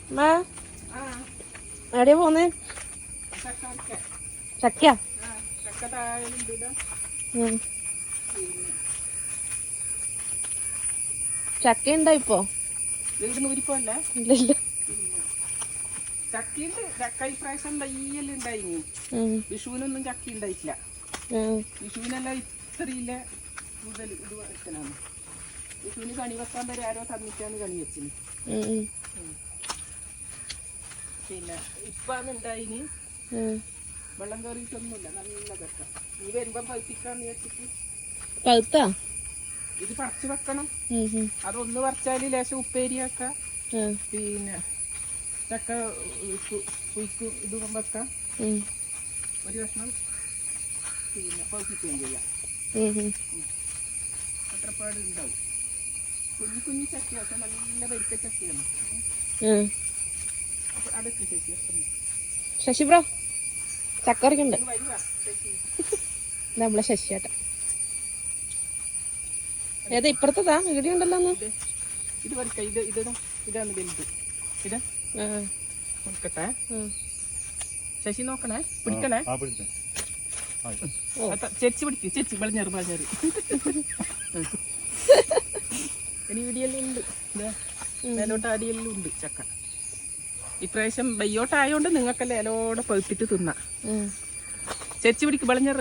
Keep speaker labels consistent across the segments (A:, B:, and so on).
A: എവിടെയാ പോന്നേ? ചക്കയാ? ചക്ക ഉണ്ടോ ഇപ്പൊ? ഇല്ല.
B: ചക്കയുണ്ട്. ചക്ക ഇപ്രാവശ്യം തയ്യല് ഉണ്ടായിനി. വിഷുവിനൊന്നും ചക്ക ഉണ്ടായിട്ടില്ല. വിഷുവിനെല്ലാം ഇത്രയില്ല കൂടുതൽ ഇത് വെക്കലാണ്. വിഷുവിന് കണി വെക്കാൻ വരെ ആരോ തന്നിട്ടാണ് കണി വെച്ചിന്. പിന്നെ ഇപ്പാണ് ഉണ്ടായിന്. വെള്ളം കയറിയിട്ടൊന്നുമില്ല. നല്ല ചക്ക. നീ വരുമ്പോ പഴുപ്പിക്കാന്ന് വെച്ചിട്ട്.
A: പഴുത്താ?
B: ഇത് പറിച്ചു വെക്കണം. അതൊന്ന് പറിച്ചാല് ലേശം ഉപ്പേരിയാക്ക. പിന്നെ ചക്ക കുയിക്കും ഇത് വെക്കാം. ഒരു കഷ്ണം പിന്നെ പഴുപ്പിക്കുകയും ചെയ്യാം. അത്രപ്പാട് ഉണ്ടാവും. കുഞ്ഞു കുഞ്ഞു ചക്കയൊക്കെ നല്ല വരിക്ക ചക്കയാണ്. അടുത്ത്
A: ശശി ബ്രോ ചക്ക പറിക്കണ്ട്. നമ്മളെ ശശിയാട്ട ഏതാ ഇപ്പുറത്തതാ? ഇവിടെ ഉണ്ടല്ലോ.
B: ഇത് പറിക്ക. ഇതാണ് വലുത്. ഇതാ നോക്കട്ടെ. ശശി നോക്കണേ, പിടിക്കണേ. ചേച്ചി പിടിക്ക്. ചേച്ചി വളഞ്ഞേറ്. ഇനി ഇടിയെല്ലാം ഉണ്ട്. മേലോട്ട് അടിയെല്ലാം ഉണ്ട് ചക്ക. ഇപ്രാവശ്യം ബയ്യോട്ടായോണ്ട് നിങ്ങൾക്കെല്ലാം ഇലോടെ പഴുത്തിട്ട് തിന്നാം. ചേച്ചി പിടിക്ക്. വളഞ്ഞേറ്.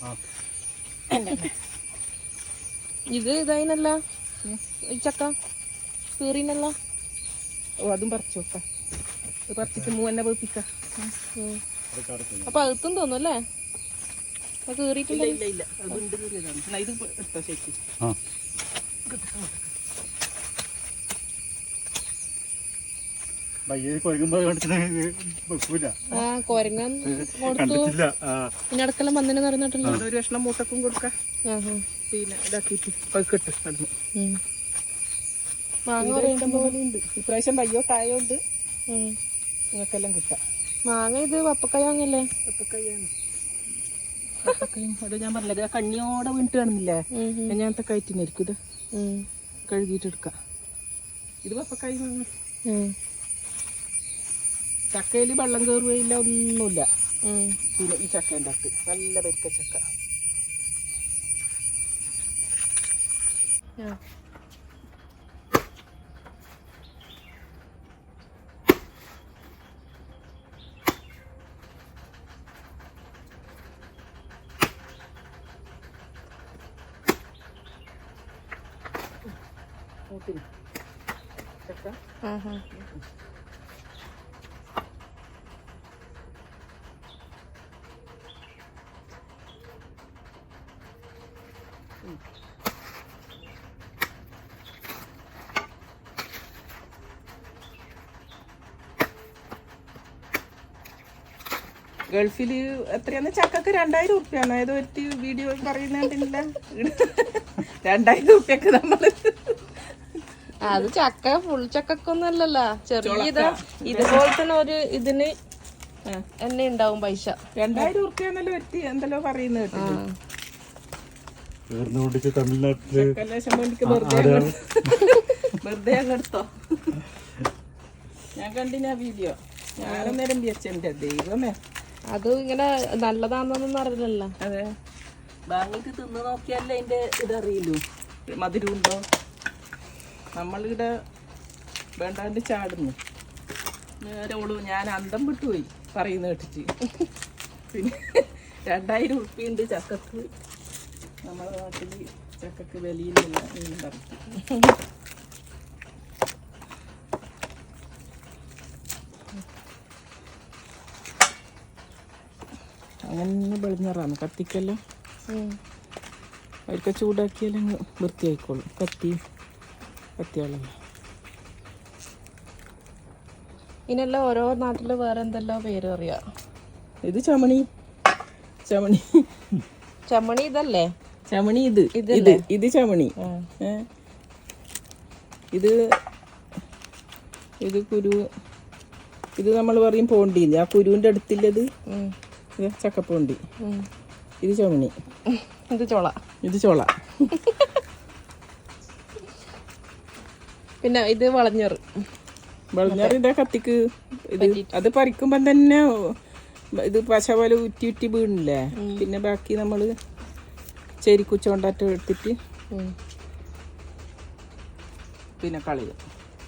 A: ഇത് ഇതായിനല്ല ഈ ചക്ക കീറിനല്ല.
B: ഓ അതും പറിച്ചു വെക്കാം. പറിച്ചിട്ട് മൂന്നെ പഴുപ്പിക്ക.
A: അപ്പൊ അകത്തും തോന്നും അല്ലേ? കീറിയിട്ടില്ല.
B: ഇല്ല അതുണ്ട്. കീറിയതാണ്. ഇത് എടുത്തോ ചേച്ചി.
A: കൊരങ്ങൻ കൊടുത്തു. പിന്നെ അടുക്കെല്ലാം വന്നിന് പറഞ്ഞിട്ടുണ്ടോ?
B: ഒരു കഷ്ണം മൂട്ടക്കും കൊടുക്കാം. പിന്നെ ഇതാക്കിട്ട് പഴുക്കട്ട് നടന്നു.
A: മാങ്ങ
B: പോലെ ഉണ്ട്. ഇപ്രാവശ്യം വയ്യോട്ടായോണ്ട് നിങ്ങൾക്കെല്ലാം കിട്ടാം.
A: മാങ്ങ ഇത് വപ്പക്കായ വാങ്ങല്ലേ?
B: വപ്പക്കായാണ്. അത് ഞാൻ പറഞ്ഞത് കണ്ണിയോടെ വീണിട്ട് കാണുന്നില്ലേ? ഞാനത്തെ കയറ്റിനായിരിക്കും. ഇത് കഴുകിയിട്ട് എടുക്കാം. ഇത് വപ്പക്കായ മാങ്ങ. ചക്കയിൽ വെള്ളം കയറുകയില്ല, ഒന്നുമില്ല. പിന്നെ ഈ ചക്കേൻ്റെ അകത്ത് നല്ല വരിക്ക ചക്ക. ചക്ക ഗൾഫില് എത്രയാണ് ചക്കക്ക്? 2000 ഉറുപ്പ്യാണ്. ഏതോ ഒരു വീഡിയോ പറയുന്നില്ല. 2000 ഉറുപ്പ്യക്ക് നമ്മള്.
A: അത് ചക്ക ഫുൾ ചക്കൊന്നും അല്ലല്ലോ, ചെറിയ ഇതുപോലെ തന്നെ ഒരു ഇതിന് എന്നെ ഉണ്ടാവും പൈസ.
B: 2000 ഉറുപ്പ്യാന്നല്ലോ എത്തി എന്തെല്ലോ പറയുന്നത്. വെറുതെ അങ്ങെടുത്തോ? ഞാൻ കണ്ടിനാ വീഡിയോ. ഞാനന്നേരം വിചാരിച്ചെന്റെ ദൈവമേ,
A: അത് ഇങ്ങനെ നല്ലതാണെന്നൊന്നും അറിയില്ലല്ലോ.
B: അതെ, വാങ്ങിട്ട് തിന്ന് നോക്കിയാലേ അതിന്റെ ഇതറിയില്ലൂ, മധുരം ഉണ്ടോ. നമ്മളിവിടെ വേണ്ടാണ്ട് ചാടുന്നു. നേരെ ഓളൂ ഞാൻ അന്തം വിട്ടുപോയി പറയുന്ന കേട്ടിട്ട്. പിന്നെ 2000 ഉറുപ്പ്യുണ്ട് ചക്കക്ക്. നമ്മുടെ നാട്ടിൽ ചക്കക്ക് വിലയില്ല എന്നും പറഞ്ഞു. അങ്ങനെ വെളിഞ്ഞറാണ് കത്തിക്കെല്ലാം. അവർക്ക് ചൂടാക്കിയാലും വൃത്തിയായിക്കോളും. കത്തിയാളല്ല.
A: ഇതിനെല്ലാം ഓരോ നാട്ടില് വേറെ എന്തെല്ലാം പേര് അറിയാം.
B: ഇത് ചമണി.
A: ഇതല്ലേ
B: ചമണി? ഇത് ചമണി. ഇത് കുരു. ഇത് നമ്മൾ പറയും പോണ്ടി. ആ കുരുവിന്റെ അടുത്തില്ലത് ചക്കപ്പോണ്ടി. ഇത് ചമണി. ഇത് ചോള.
A: പിന്നെ ഇത് വളഞ്ഞറ്.
B: വെളഞ്ഞറിന്റെ കത്തിക്ക് ഇത് അത് പറിക്കുമ്പം തന്നെ ഇത് പശ പോലെ ഉറ്റി ഉറ്റി വീണില്ലേ. പിന്നെ ബാക്കി നമ്മള് ചേരിക്കുച്ചോണ്ടായിട്ട് എടുത്തിട്ട് പിന്നെ കളയും.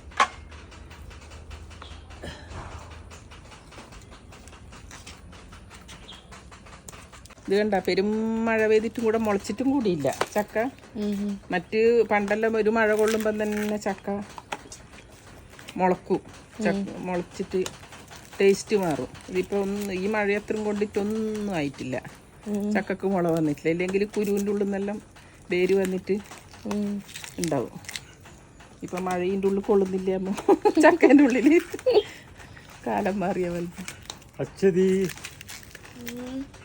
B: ഇത് കണ്ട പെരും മഴ പെയ്തിട്ടും കൂടെ മുളച്ചിട്ടും കൂടിയില്ല ചക്ക. മറ്റ് പണ്ടെല്ലാം ഒരു മഴ കൊള്ളുമ്പം തന്നെ ചക്ക മുളക്കും. മുളച്ചിട്ട് ടേസ്റ്റ് മാറും. ഇതിപ്പോൾ ഈ മഴയത്രയും കൊണ്ടിട്ടൊന്നും ആയിട്ടില്ല. ചക്കക്ക് മുള വന്നിട്ടില്ല. ഇല്ലെങ്കിൽ കുരുവിൻ്റെ ഉള്ളിൽ നിന്നെല്ലാം വേര് വന്നിട്ട് ഉണ്ടാവും. ഇപ്പം മഴയിൻ്റെ ഉള്ളിൽ കൊള്ളുന്നില്ല അമ്മ. ചക്കേൻ്റെ ഉള്ളിൽ കാലം മാറിയ പോലെ.